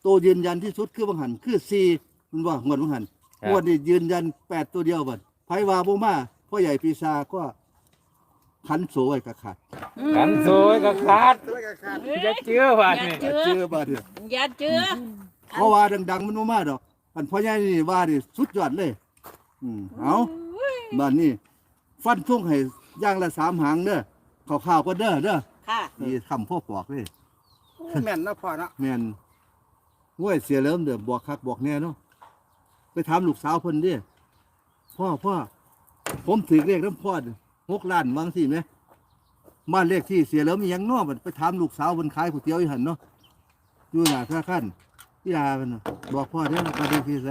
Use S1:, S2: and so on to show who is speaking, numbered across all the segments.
S1: ตัวยืนยันที่สุดคือบางหันคือ4มันว่างวดบางหันงวดนี้ยืนยัน8ตัวเดียวบัดไผว่าบ่มาพ่อใหญ่ปีศาจก็ขันโสไว้กะขาด
S2: กันโซยก็ขาดอย่าเชื่อว่า
S3: อย่า
S2: นี่
S3: เจือ
S1: เจอบัดเนี่ย
S3: อย่าเจือ
S1: เพราะว่าดังๆมันบ่มาดอกอันพ่อใหญ่นี่ว่านี่สุดยอดเลยเอาบ้านนี้ฟันทุ่งให้อย่างละ3หางเด้อข้าวๆก็เด้อ
S3: ค่ะ
S1: นี่คำพ่อปอกเลย
S4: แม่นนะพ่อเนาะ
S1: แม่นห้วยเสียเริ่มเด้อบอกคักบอกแน่เนาะไปถามลูกสาวเพิ่นเด้พ่อผมถือเลขน้ำพ่อ6 ล้านวางสิไหมบ้านเลขที่เสียเริ่มมีหยังเนาะบัดไปถามลูกสาวเพิ่นขายก๋วยเตี๋ยวอยู่หั่นเนาะอยู่หน้าธนาคารพี่ดาเพิ่นน่ะบอกพ่อเด้อบ้านเลขที่ไส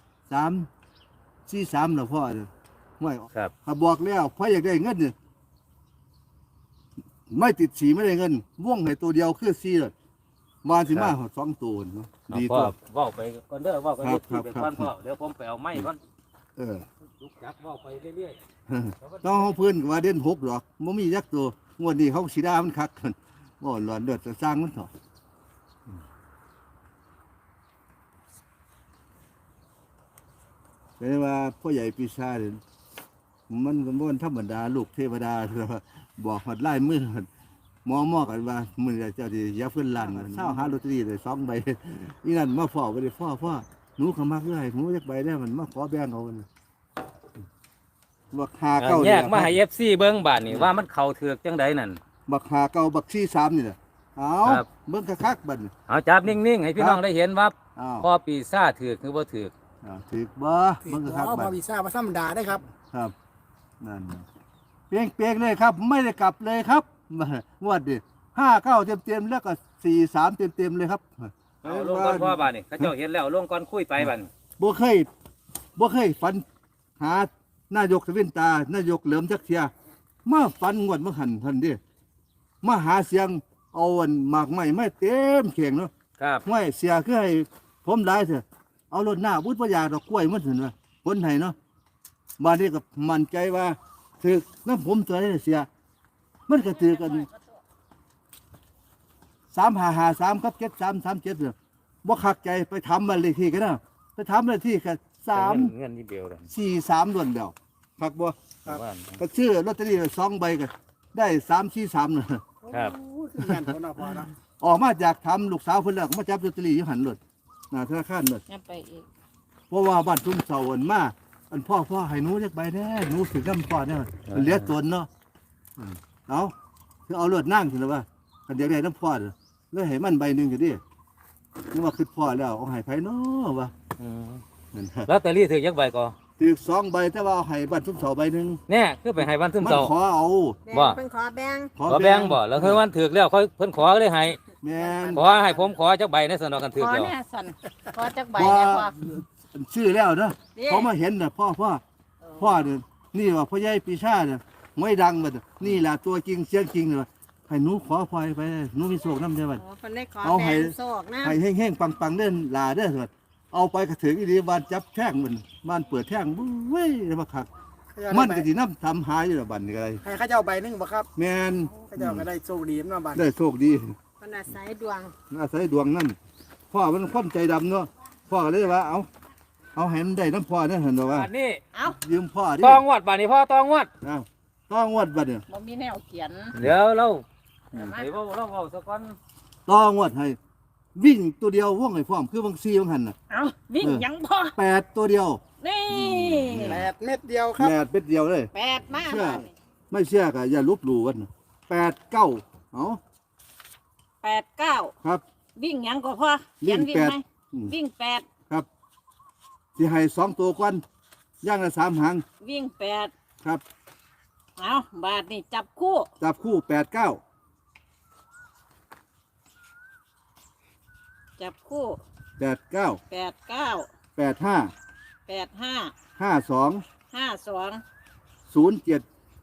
S1: 343น่ะพ่อเด้อห้วย
S2: ครับ
S1: ถ้าบอกแล้วพ่ออยากได้เงินเนี่ยไม่ติดสีไม่ได้เงินว่องให้ตัวเดียวคือ4เลยมาสิมา2ตัวเนาะดี
S2: พ่อ
S1: ตัว
S2: เว้าไปก่อนเด้อเว้ากัน
S1: ครับ
S2: ไป
S1: ครับ
S2: ก่อนพ่อเดี๋ยวผมไปเอาไม้ก่อน
S1: เออ
S2: ลุกจับเว้าไปเรื่อย
S1: น้องเขาเพื่อนก็ว่าเด่น6ดอกบ่มียักษ์ตัวงวดนี้เขาสีดามันคักกันบ่หลอนเดือดจะสร้างมันเถอะเป็นว่าพ่อใหญ่ปีศาจมันก็บ่ธรรมดาลูกเทวดาบอกหัดไล่มือหมอกันว่ามื้อเจ้าสิอย่าเพิ่นลั่นเช้าหาลอตเตอรี่ได้2ใบนี่นั่นมาฟ้อบ่ได้ฟ้อหนูก็มักเลยหนูจักใบได้มันมาขอแบ่งเอาบักหา
S2: ๆ
S1: เก้า
S2: แยกมาให้ FC เบิ่งบาดนี่ว่ามันเข้าเถือกจังไดนั่น
S1: บักหาเก้าบักซี่3นี่แหละเอา
S2: ครับ
S1: เบิ่งคักๆบัดนี้
S2: เอาจับนิ่งๆให้พี่น้องได้เห็นว่า
S1: อ้าว
S2: พ่อปีซ่าจถือกหรือบ่ถือก
S1: ถึกบ่เบิ่งคัก
S4: พ่
S1: ๆบั
S4: อ
S1: ด
S4: วีซ่ามาธรรมดาได้ครับ
S1: ครับนั่นเปียงเลยครับ ไม่ได้กลับเลยครับงวดดิ59เต็มๆแล้วก็43เต็มๆเลยครับ
S2: เอาลงก่อนพ่อบาดนี่เขาเจ้าเห็นแล้วลงก่อนคุยไปบาด
S1: บ่เคยฝันหานายกทวินตานายกเหลิมจักเทียมาฝันงวดมาหันทันเดิมาหาเสียงเอาอันหมากไม้ไม่เต็มเข่งเนาะ
S2: ครับ
S1: ห้วยเสียคือให้ผมหลายเถอะเอารถหน้าบุญพยาดอกกล้วยมันถึงว่าคนไทยเนาะบ้านนี้ก็มั่นใจว่าถือน้ำผมตัวนี้เสียมันก็ถือกัน3553ครับ7337เด้อบ่คักใจไปทำบ้านเลขที่กันนะไปทำบ้านเลขที่กัน
S2: เงินนิดเดียวเลย
S1: 343ล้วนแล้วคักบ่
S2: ครับ
S1: ก็ชื่อลอตเตอรี่2ใบก็ได้343น่ะ
S2: ครับ
S4: โอ้คือแม่นพ่อเนาะพ่อเนาะ
S1: ออกมาจากทำลูกสาวเพิ่นแล้วก็มาจับลอตเตอรี่อยู่หันรถหน้าธนาคารรถ
S3: อย่าไปอีก
S1: เพราะว่าบ้านทุ่งเสาอันมาอันพ่อให้หนูจักใบแน่หนูถึงน้ำพ่อเนี่ยมันเหลี้ยตนเนาะเอาคือเอารถนั่งถึงแล้วว่าคันเดียวได้น้ำพ่อเด้อเลยให้มันใบหนึงก็ดินึกว่าคือพ่อแล้วเอาให้ไผเนาะวะ
S2: อืม
S1: นั่นฮะ
S2: ลอตเตอรี่ถือยักใบก่อ
S1: ถือ2ใบแต่ว่าเอาให้บ้านทุ่งเสาใบหนึง
S2: แน่คือไปให้วันซึม
S1: มัน
S2: เศร้า
S1: ขอเอา
S2: บ่
S3: เป็นขอแบง
S2: ขอแบ่งบ่แล้วคือวันถือกแล้วค่อยเพิ่นขอเลยให้
S1: แม่น
S2: ขอให้ผมขอจักใบในสนอกันถื
S3: ข
S2: อก
S3: อ
S2: แล้ว
S3: แน่สันขอจักใบ
S1: บ่
S3: แน่พอ
S1: ชื่อแล้วเนาะ
S3: นี่
S1: เขามาเห็นน่ะพ่อเนี่ยนี่ว่าพ่อใหญ่ปีชาเนี่ยไม่ดังบัดนี่ล่ะตัวจริงเสียงจริงเลยให้หนูขอพรไปหนูมีโชคนำได้บัด
S3: โอ้คนได้ขอ
S1: เอา
S3: แบ
S1: ให้
S3: งโศกนะ
S1: ให้แห้งๆปังๆเด้อลาเด้อบัดเอาไปกระถึงอีดีบ้านจับแท่งมันบ้านเปิดแท่งเว้ยมาคักมันก็สินำทำหายอยู่ละบัดนี่ก็ได้
S4: ให้ข้าเจ้าใบหนึงบ่ครับ
S1: แม่น
S4: ข้าเจ้าก็ได้โชคดีเนาะบัด
S1: ได้โชคดี
S3: คนอาศัยดวง
S1: อาศัยดวงนั่นพ่อมันคนใจดำเนาะพ่อก็เลยว่าเอาให้มันได้น้ำพ่อเนี่ยเห็นบ่ว่า
S2: อันนี้
S3: เอ้า
S1: ยืมพ่อดิ
S2: ตองวดบาดนี้พ่อตองวด
S1: อ้าวต้องวดบัดเนี่ย
S3: บ่มีแนวเขียน
S2: เดี๋ยวเรา
S3: เอามา
S2: เดี๋ยวเราเว้าสักก่อน
S1: ต้องวดให้วิ่งตัวเดียวว่องให้พร้อมคือบางซีบางหันน่ะ
S3: เอาวิ่งยังพอ
S1: 8ตัวเดียว
S3: นี่
S4: 8 เม็ดเดียวครับ
S1: แปดเป็ดเดียวเลย
S3: แปดมาก
S1: เชื่อ
S3: บ้านนี่
S1: ไม่เชื่อก็อย่าลบหลู่กัน8 9เอา
S3: 8 9
S1: ครับ
S3: วิ่งยังก็พอเขียน
S1: วิ่
S3: วิ่
S1: ง
S3: ง
S1: แปด
S3: ไหม
S1: อืม
S3: วิ่ง8
S1: ครับสิให้2ตัวก่อนย่างละ3หาง
S3: วิ่ง8
S1: ครับ
S3: เอาบาทนี่จับคู่
S1: จับคู่8 9
S3: จับคู่
S1: 8 9
S3: 8 9
S1: 8 5
S3: 8 5
S1: 5 2
S3: 5 2
S1: 0 7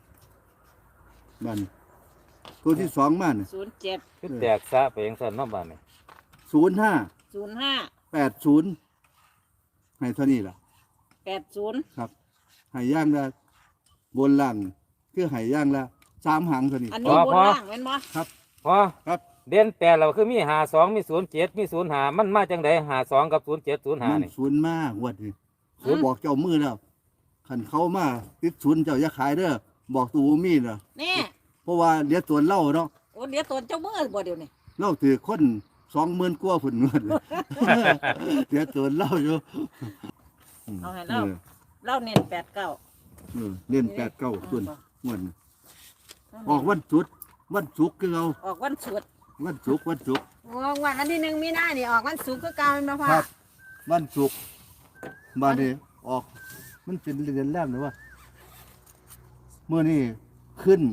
S1: มันตัวที่2มาเนี่ย
S3: 0 7
S2: คือแตกซะไปจังซั่นเนาะบาดนี้
S1: 0 5
S3: 0 5
S1: 8 0ให้เท่านี้ล่ะ
S3: 8 0
S1: ครับให้ย่างละบนล่างคือให้ย่างละ3หางเท่านี้
S3: อันนี้บนล่างแม่นบ่
S2: พ่อ
S1: ครับ
S2: เด่นแปดเราคือมี52มี07มี05มันมาจังได52กับ07 05
S1: มัน
S2: นี่
S1: ศูนย์มากวัดนี่ผมบอกเจ้ามือแล้วขันเขามาติดศูนย์เจ้าอย่าขายเด้อบอกตูมีน่ะ
S3: นี่
S1: เพราะว่าเหลี้ยตัวเล่าเนาะ
S3: โอ้เดี๋ยวตัวเจ้ามือบ่เดี๋ยวนี้
S1: เล่าถือคน20,000กว่าฝุ่นเงินเหลี้ยตัวเล่าอยู่
S3: เอาให้เราเราเน้น89
S1: เล่น8-9ส่วนเงินออกวันศุกร์คือเอา
S3: ออกวันศุกร์
S1: วันศุกร์
S5: โอ้วันที่1มีนานี่ออกวันศุกร์คือเก่าแม่นบ่พ่อ
S1: ครับวันศุกร์มาเนี่ยออกมันเป็นเดือนแรกเลยว่าเมื่อนี้ขึ้น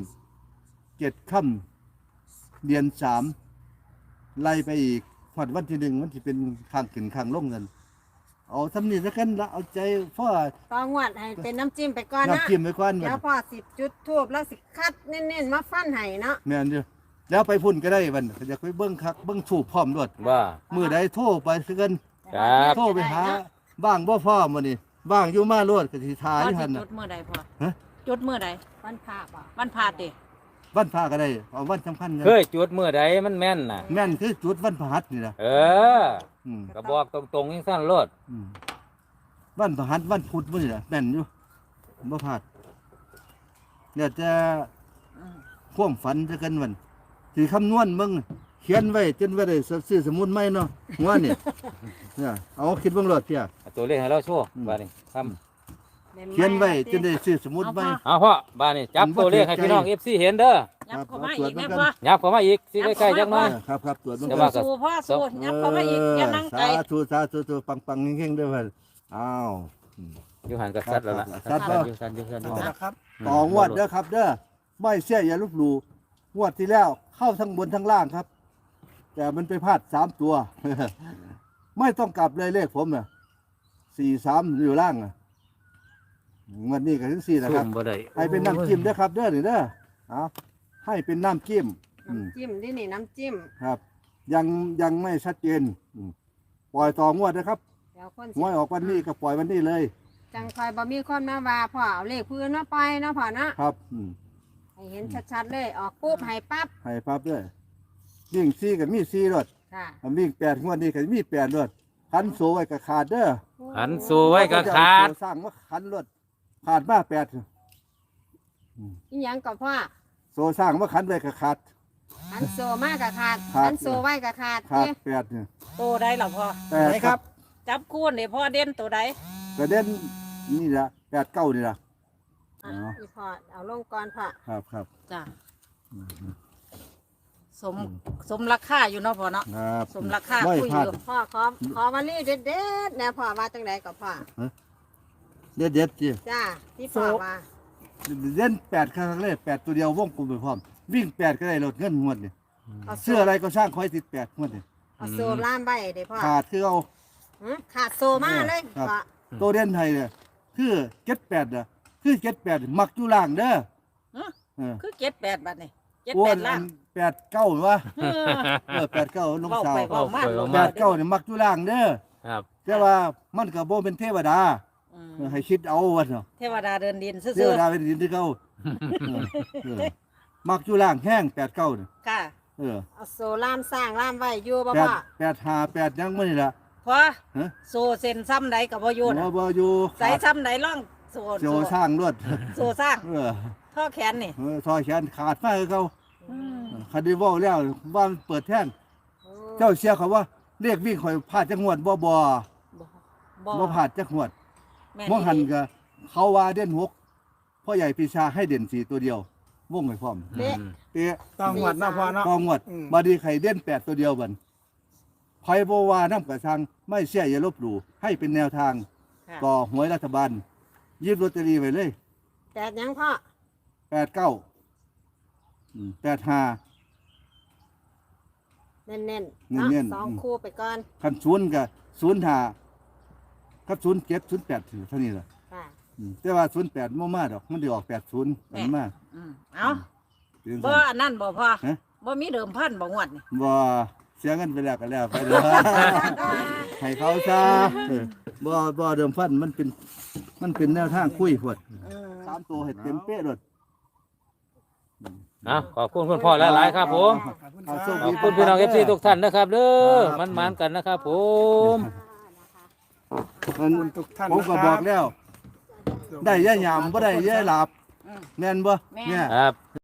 S1: 7 ค่ำเดือน3ไล่ไปอีกพอดวันที่1มันจะเป็นข้างขึ้นข้างลงเงินเอาทำนี่สักกันละเอาใจพ่อ
S5: ต่องวดให้เป็นน้ำจิ้มไปก่อนนะ
S1: น้ำจิ้มไปก่อน
S5: เดี๋ยวพ่อ10จุดทูบแล้วสิคัดเน้นๆมาฟันให้เนาะ
S1: แม่นเด้อแล้วไปพุ่นก็ได้บัดอยากไปเบิ่งคักเบิ่งถูกพร้อมด้วย
S2: ว่า
S1: มื้อใดโทรไปซะกัน
S2: ครับ
S1: โทรไปหาบ้างบ่พร้อมมื้อนี้บ้างอยู่มาโลดก็สิทา
S3: พ่อ
S1: อยู่
S3: สิ
S1: หั่น
S3: จุ
S1: น่ะ
S3: ดมื้อใดพ่อ
S1: ฮะ
S3: จุดมื้อใด
S5: วันพระบ่
S3: วันพาดดิ
S1: วันพระก็ได้เอาวันสำคัญกัน
S2: เคยจุดมื้อใดมันแม่นน่ะ
S1: แม่นคือจุดวันพฤหัสนี่ล่ะ
S2: เออ
S1: อืม
S2: ก็บอกตรงๆจังซั่นโลด
S1: อืมวันพฤหัสวันพุธมื้อนี่ล่ะแม่นอยู่บ่พลาดเนี่ยจะ
S3: อืม
S1: ความฝันซะกันวันสิคำนวณเบิ่งเขียนไว้จนว่าได้ซื้อสมุดใหม่เนาะหัวนี่ เนี่ยเอาคิดเบิ่งโลดเพี่ย
S2: เอาตัวเลขให้เราโชว์
S1: อืม
S2: บาดนี้ครับ
S1: เขียนไว้จนได้ซื้อสมุดใหม่
S2: เอาพ่อบาดนี้จับตัวเลขให้พี่น้อง FC เห็นเด้อ
S3: ยับเข้ามาอีกนะพ่อ
S2: ยับเข้ามาอีกสิใกล้ๆจักหน่อย
S1: ครับตรวจเบิ่ง
S2: แต่
S1: ก่
S2: ว่า
S1: อน
S2: ก็
S3: สู้พ่อสู้ยับเข้ามาอีกอย่านั่งไกล
S1: สาธุปังๆเฮงๆเด้อเพิ่นอ้าว
S2: อยู่หันกับสัตว์แล้วล่ะ
S1: สัตว์บ่
S2: อยู่สัตว์อยู่สัตว์อยู่
S4: เอา
S2: สัต
S4: ละ
S2: ว์
S4: ครับ
S1: ต่องวดเด้อครับเด้อไม่เชื่ออย่าลบหลู่งวดที่แล้วเข้าทั้งบนทั้งล่างครับ แต่มันไปพลาด3 ตัว ไม่ต้องกลับเลยเลขผมน่ะ43อยู่ล่างน่ะงวดนี้ก็ถึง4นะค
S2: ซุ่
S1: รับ
S2: มบ่ได้
S1: ให้เป็นน้ำจิ้มเด้อครับเด้อนี่เด้อเอาให้เป็นน้ำจิ้มอืม
S5: น้ำจิ้มนี่นี่น้ำจิ้ม
S1: ครับ ยังไม่ชัดเจนปล่อยต่องวดนะครับ
S5: เดี๋ยวคน
S1: หวยออกวันนี้ก็ปล่อยวันนี้เลย
S5: จังคอยบ่มีคนมาว่าพ่อเอาเลขพื้นมาปล่อยเนาะพ่อเนาะ
S1: ครับ
S5: ให้เห็นชัดๆเลยออกปุ๊บให้ปั๊บ
S1: ให้ปั๊บด้วยวิ่ง4กับมี4รถ
S5: ค่ะ
S1: วิ่ง8งวดนี้ก็มี8รถคันโซไว้ก็ขาดเด้อ
S2: หันสู้ไว้กับขาด
S1: สร้างว่าคันรถขาดมา8
S5: อีหยังก็พ่อ
S1: โซสร้างว่าคันไว้ก็ขาด
S5: อันโซมากกับขาด
S1: ขาด
S5: อันโซไว้กับขาด
S1: ขาด
S5: เด้
S1: 8เนี่ย
S3: ตัวใดล่ะพ่อ
S1: 8
S4: ไหนครับ
S3: จับคู่นี่พ่อเด่นตัวใด
S1: ประเด็นนี่ละ8 9นี่ละ
S5: อ่ะอีพ่อเอาลงก่อนพ่อ
S1: ครับ
S3: จ้ะสมราคาอยู่เนาะพ่อเนาะ
S1: ครับ
S3: สมราคา
S1: ไม่
S3: คุย
S1: พลาด
S3: อยู่
S5: พ่อขอวันนี้เด็ดๆแนวพ่อว่าจังไดก็พ่อ
S1: เด็ดๆจี
S5: จ้าที่พ่อว่า
S1: เล่น8ครั้งแรก8ตัวเดียววงกลมไปพร้อม วิ่ง8ก็ได้ลดเงินงวดนี่
S5: เอาโซ
S1: เสื้ออะไรก็ช่างคอยติด8งวดนี่
S5: เอาโซล่ามไว้เด้พ่อ
S1: ขาดคือเอา
S5: ขาดโซมาเลย
S1: ครับ
S5: พ่อ
S1: ตัวเด่นไทยเนี่ยคือ78น่ะคือ78มักอยู่ล่างเด้อ
S3: ฮะ
S1: เออ
S3: คือ78บาทนี่
S1: อ้วน
S3: 78ล่าง
S1: 89วะ
S3: เออ
S1: 89น้อง
S3: เว้า
S1: สาว
S3: ไปเว้ามา
S1: 89นี่มักอยู่ล่างเด้อ
S2: ครับ
S1: แต่ว่ามันก็บ่เป็นเทวดา
S3: อืม
S1: ให้คิดเอาว่าเนาะ
S3: เทวดาเดินดินซื่
S1: เทว
S3: อ
S1: ดาเป็นดินที่เก่ามักอยู่ล่างแห้ง89นี่
S3: ๆค่ะ
S1: เออ
S5: เอาโซล่ามสร้างล่ามไว้อยู่บ่
S1: แป
S5: พ่
S1: ด
S5: อ
S1: 858ยังบ่นี่ล่ะ
S3: พอ
S1: ฮะ
S3: โซเซ็นซ้ำใดกับพ่อโยน
S1: บ่อยู่
S3: ใส่ซ้ำใดล่องโซ
S1: โจสร้างรวด
S3: โซสร้าง
S1: เออ
S3: ท่อแขนนี่
S1: ซอยแขนขาดมาคือเก่า
S3: อืม
S1: คันได้เว้าแล้วว่ามันเปิดแท่งเจ้าเชื่อเขาว่าเรียกวิ่งข่อยพลาดจักงวดบ่
S3: บ่
S1: บ่พลาดจักงวด
S3: แม่
S1: มองหันก็เขาว่าเด่น6พ่อใหญ่ปีชาให้เด่น4ตัวเดียววงไว้พร้อม
S5: เป๊ะ
S1: เป๊ะ
S4: ต้องหวัดเนาะพ่อเนาะ
S1: กองงวด
S4: อืม
S1: บัดนี้ไข่เด่น8ตัวเดียวบัดไผบ่ว่านำกระชังไม่เชื่ออย่าลบหลู่ให้เป็นแนวทาง
S3: ค่ะ
S1: ต่อหวยรัฐบาลหยิบลอตเตอรี่ไว้เลย
S5: แต่ยังพ่อ
S1: 89 85
S5: เน้นๆ
S1: เน้
S5: เนาะ
S1: นๆ
S5: สองคู่ไปก่อน
S1: คันศูนย์ก็05กับ07 08เท่านี้ล่ะ
S5: ค่ะ
S1: แต่ว่า08บ่มาดอกมันสิออก80มันมา
S3: อืมเอ้า
S1: เป็น
S3: บ่
S1: ซั่น
S3: อันนั้นบ่พ่อ
S1: ฮะ
S3: บ่มีเดิมพันบ่งวดนี่
S1: บ่เสียเงินไปแล้วก็แล้วไปเด้อ ให้เขาซะเออบ่เดิมพันมันเป็นแนวทางคุยพวด
S3: อืม
S1: 3ตัวให้เต็มเป๊ะโลด
S2: ขอบคุณคุณพ่อหลายๆครับผม
S4: ขอบคุณค
S1: เอา
S4: รับ
S1: โชคดี
S2: ขอบคุณพี่น้องเอฟซีทุกท่านนะครับเด้อ
S1: ครับ
S2: มันกันนะครับผม
S1: มัน
S4: ขอบคุณทุกท่าน
S1: ผมก็
S4: นะครับ
S1: บอกแล้ว ได้ย่ายามบ่ได้ย่ายหลับแม่นบ่เนี่ย
S2: ครับ